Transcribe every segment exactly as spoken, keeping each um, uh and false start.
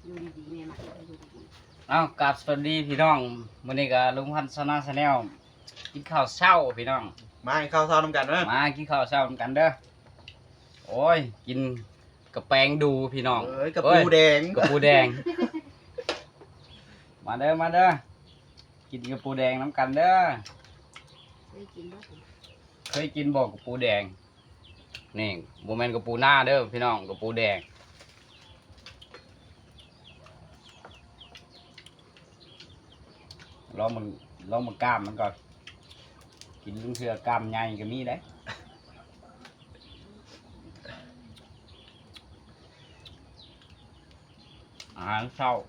อยู่ดีๆแม่มาอยู่ดีเอ้ากราบสวัสดีพี่น้องมื้อนี้ก็ลุงพันธ์ซานาชาแนลกินข้าวเช้าพี่น้องมาให้ข้าวเช้านำกันเด้อมากินข้าวเช้ากันเด้อโอ้ยกินกระแปงดูพี่น้องเอ้ยกระปูแดงกระปูแดงมาเด้อมาเด้อกินกระปูแดงน้ำกันเด้อเคยกินบ่เคยกินบ่กระปูแดงนี่บ่แม่นกระปูหน้าเด้อพี่น้องกระปูแดงลองมันลองมันกล้ามมันก่อนกินลุงเสือกล้ามใหญ่ก็มีได้อาหารเช้า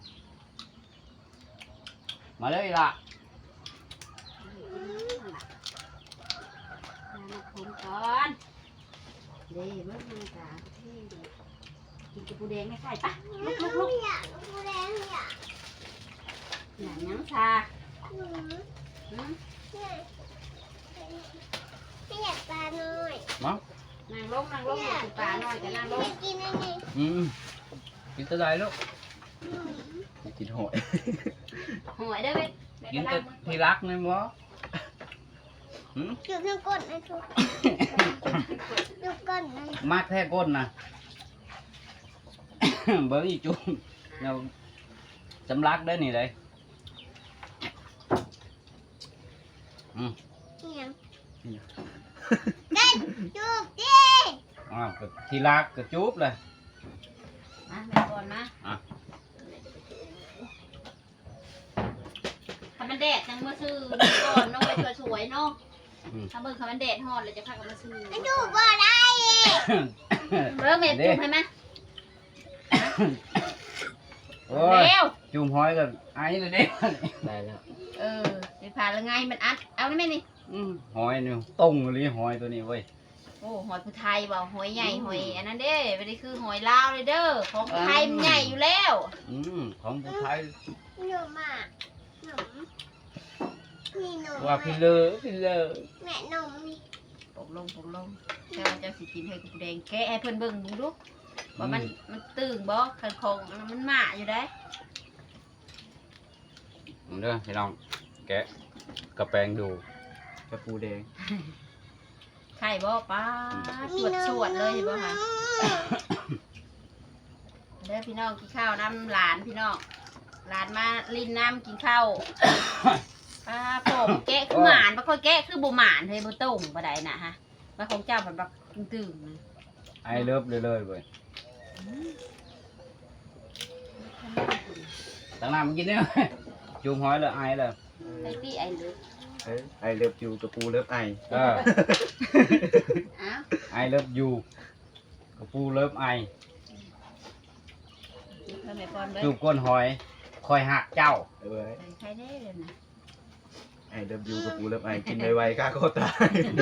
มาเลยล่ะมาคนก่อนเด้เมื่อมาตาที่กินกระปูแดงไม่ใช่ปะลุกลุกลุกอยากกระปูแดงอยากหนังยังชาหืมไม่อยากปลาหน่อยมั้งนั่งลงนั่งลงกินปลาหน่อยแต่นั่งลงกินอันนี้อืมกินตัวใดลูกกินหอยหอยได้ไหมกินตัวที่รักนี่มั้งจุดน้ำก้นนะทุกจุดก้นนะมากแท้ก้นนะเบอร์อีจุ่มเราสำลักได้นี่เลยอืมยังได้จุบดิอ่าที่รักก็จุบเลยมาแม่ก่อนมาอ่ะถ้ามันแดดจังมาซื้อก่อนน้องไปสวยๆเนาะถ้าเบิ่งถ้ามันแดดฮอดเลยจะพากันมาซื้อจุบบ่ได้เบิ่งแม่จุ่มให้มั้ยโอ้ยจุ่มหอยกันไอ้เลยเด้ได้แล้วเออไปผ่านแล้วไงมันอัดเอาได้ไหมนี่หอยนี่ต้งเลยหอยตัวนี้เว้ยโอ้หอยผู้ไทยบ่หอยใหญ่หอยอันนั้นเด้ไม่ได้คือหอยลาวเลยเด้อของผู้ไทยมันใหญ่อยู่แล้วอืมของผู้ไทยหนูมาหนูนี่หนูว่าพี่เลอพี่เลอแม่นมนี่ปกลงปกลงเจ้าเจ้าสิกินให้กูแดงแกะให้เพิ่นเบิ่งดูดูว่ามันมันตึงบ่คันคงมันหมาอยู่ได้เด้อพี่น้องแกะกระแปงดูกระปูแดงไข่บ่ป้าสวดสวดเลยบ่ค่ะเด้อพี่น้องกินข้าวน้ำหลานพี่น้องหลานมาลินน้ำกินข้าวป้าผมแกะคือหมานบ่ค่อยแกะคือบ่หมานเฮ้ยบ่ต้มบ่ได้น่ะฮะมาของเจ้าแบบแบบตึงไอเลิฟเลยเลยเว้ยตั้งน้ำกินเนี่ยจุ่มหอยเลยไอเลยไอพี่ไอเลิฟไอเลิฟยูกระปูเลิฟไอเออไอเลิฟยูกระปูเลิฟไอจุ่มก้นหอยคอยหักเจ้าใครได้เลยนะไอเลิฟยูกระปูเลิฟไอกินไวๆข้าก็ตาย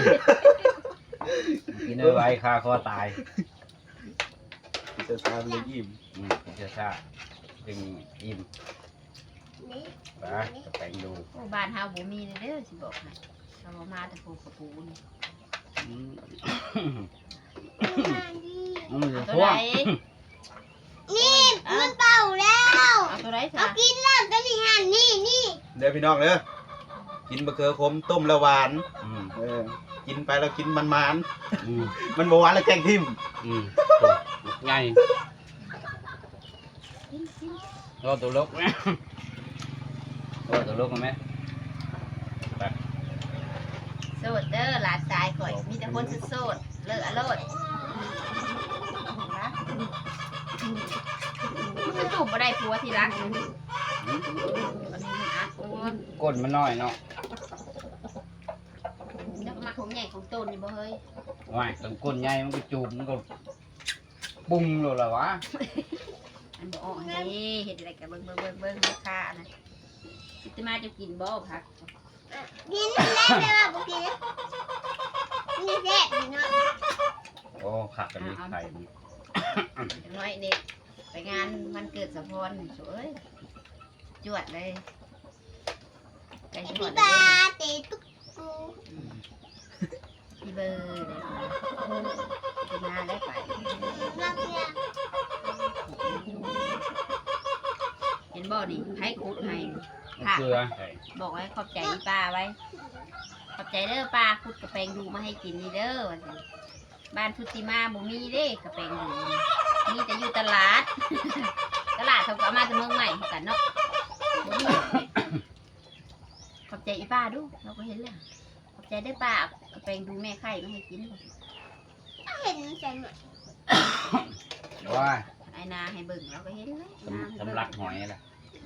กินไวๆข้าก็ตายจะซาเลยอิ่มอืมจะซาจึงอิ่มไปจะแต่งดูบ้านเฮาบ่มีเด้อสิบอกให้เรามาแต่ปูกระปูนี่มันจะท่วงนี่มันเป่าแล้วเอาตัวไหนซะเอากินแล้วตัวนี้หันนี่นี่เดี๋ยวพี่น้องเด้อกินบะเขือขมต้มละหวานเออกินไปแล้วกินมันมันมันบ่หวานแล้วแกงทิ่มไงรอตัวลกไหมรอตัวลกไหมโสดเด้อหลานชายข่อยมีแต่คนโสดเลิกอโลดมันจุ่มบ่ได้ผัวที่รักก้นมันน้อยเนาะแล้วมาของใหญ่ของต้นนี่บ่เฮ้ยว่ายต้นก้นใหญ่มันก็จุ่มมันก็ปุ้งเลยล่ะวะอันบ่ออกนี่เห็ดอะไรกับเบิ้งเบิ้งเบิ้งเบิ้งลูกค้านะจะมาจะกินบ่ผักกินแล้วเลยว่าบ่กินนี่แซ่บนี่เนาะโอ้ผักกันนี่ไข่น้อยนี่ไปงานมันเกิดสะพอนสวยจวดเลยไก่จวดเลยเตะตุ๊กกูพี่เบอร์เลยจะมาได้ไปรักเนี่ยนี่ให้คุดให้มะเกลือบอกไว้ขอบใจอีป้าไว้ ขอบใจเด้อป้าคุดกระแปงดูมาให้กินนี่เด้อว่าซั่นบ้านพุติมาบ่มีเด้กระแปงดูมีแต่อยู่ตลาด ตลาดเขาก็เอามาจากเมืองใหม่คือกันเนาะบ่มีขอบใจอีป้าดูเราก็เห็นแล้วขอบใจเด้อป้ากระแปงดูแม่ไข่มาให้กินเห็นใส่หน่อยว่าไอ้นาให้เบิ่งเราก็เห็นแล้วสำสำลักหอยแหละ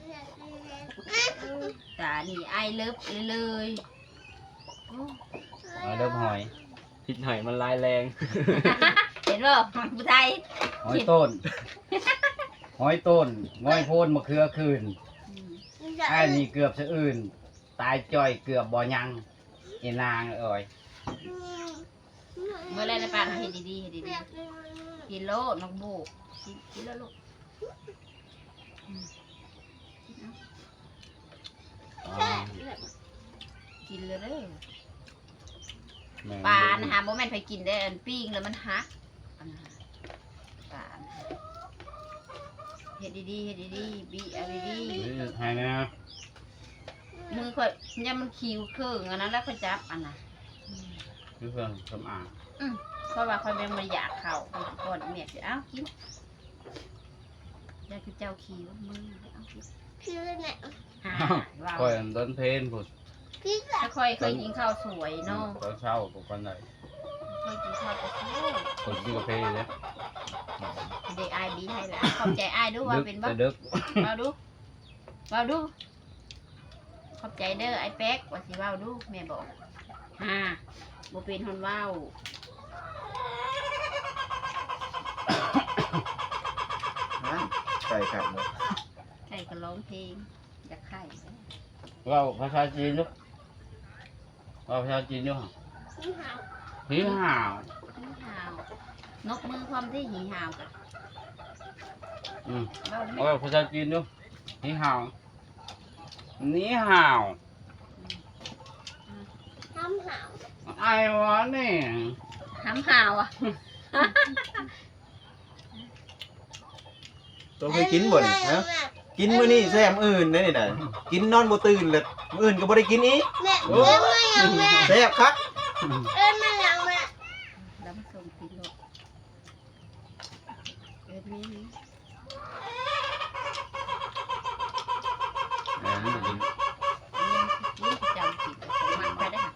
ตานี่ไอเลิฟเลยโอ้หอยเริ่มหอยพิษหอยมันร้ายแรงเห็นบ่ผู้ไทยหอยต้น หอยต้นงอยโพนมะเขือคืนอืมไอ้นี่เกือบสะอื่น ตายจ่อยเกือบบ่ยังเอนางเอ้ยเมื่อไรนะป้าเห็นดีๆเห็นดีๆกินโลน้องบูกินกินแล้วลูกอืมอ๋อกินเลยเด้อแม่งปลานะฮะโมแมนไปกินได้อันปิ้งแล้วมันฮักอันนะฮะปลานะเห็ดดีๆเห็ดดีๆบีเอาดีเฮ้ยให้นะๆมือค่อยเนี่ยมันคิวเครื่องอันนั้นแล้วค่อยจับอันน่ะอืมคือเครื่องสำอางอืมเพราะว่าค่อยเป็นมันอยากเข่าค่อยก่อนเมียจะเอ้ากินอยากคือเจ้าคิวมือเอากินพี่เนี่ยหาว้าวค่อยอันต้นเพลนพุ่นพี่แบถ้าค่อยเคยกินข้าวสวยเนาะตอนเช้ากับคนไหนเคยกินข้าวกระเทียมคนที่กาแฟเลยเด็กอายบีให้ละขอบใจอายด้วยว่าเป็นบ้าจะดึกเราดูเราดู ขอบใจเด้อไอ้แป๊กว่าสิเว้าดูแม่บอกฮ่าบ่เป็นคนเว้านั่นใส่ครับเลยไก่ก็ร้องเพลงอยากไข่เราภาษาจีนลูกเราภาษาจีนลูกพี่หาวผีห่าวหีห่าวนกมือความที่หีห่าวกันอืมเว้าได้ไหมเราภาษาจีนลูกผีห่าวนี่ห่าวทำหาวไอ้วะนี่หำห่าวอ่ะตัวเคยกินบ่นี่ฮะกินมื้อนี้แซ่บอื่นได้นี่น่ะกินนอนบ่ตื่นเลยมื้ออื่นก็บ่ได้กินอีกแม่เอ้ยมายังแม่แซ่บคักเอ้ยมายังแม่แล้วมันส่งกินโลกเอ็ดนี่นี่เออนี่กินนี่จำผิดของมันไปได้ค่ะ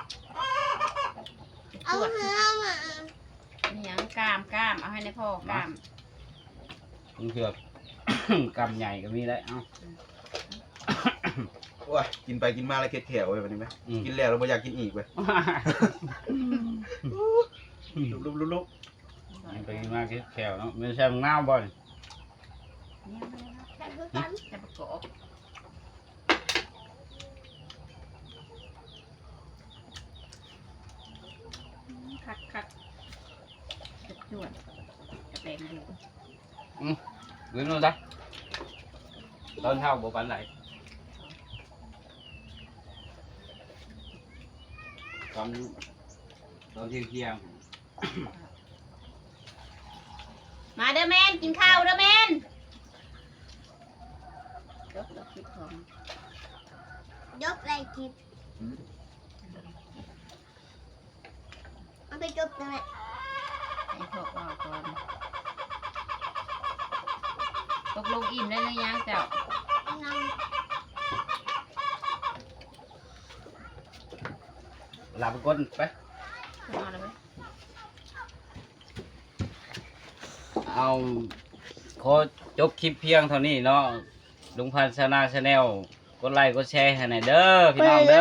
เอาตรวจเนื้อมานี่ยังกล้ามกล้ามเอาให้ในพ่อกล้ามมันเกือบ กำใหญ่ก็มีได้เอ้าโอ้ยกินไปกินมาแล้วเข็ดแขวเว้ยวันนี้ไหมอืมกินแล้วเราบ่อยากกินอีกเว้ยลุกๆลุกมันไปมากที่แถวเนาะไม่ใช่มึงน้าวบ่อยเนี่ยแต่คือกันจะประกอบ คักคักจุดจวดกระแปงดู Gửi luôn đó. Lên hao bộ bạn lại. Còn còn thiên kia. มาเด้อแมนกินข้าวเด้อแมนยกดอกคิดของยกอะไรกินเอาไปจบเลยให้พวกว่าก่อนตกลงอิ่มได้หรือยังเจ้านั่ง Làm con phải. ขึ้นมาเลยไหมเอาขอจบคลิปเพียงเท่านี้เนาะลุงพันธ์ชาแนลกดไลค์กดแชร์ให้หน่อยเด้อพี่น้องเด้อ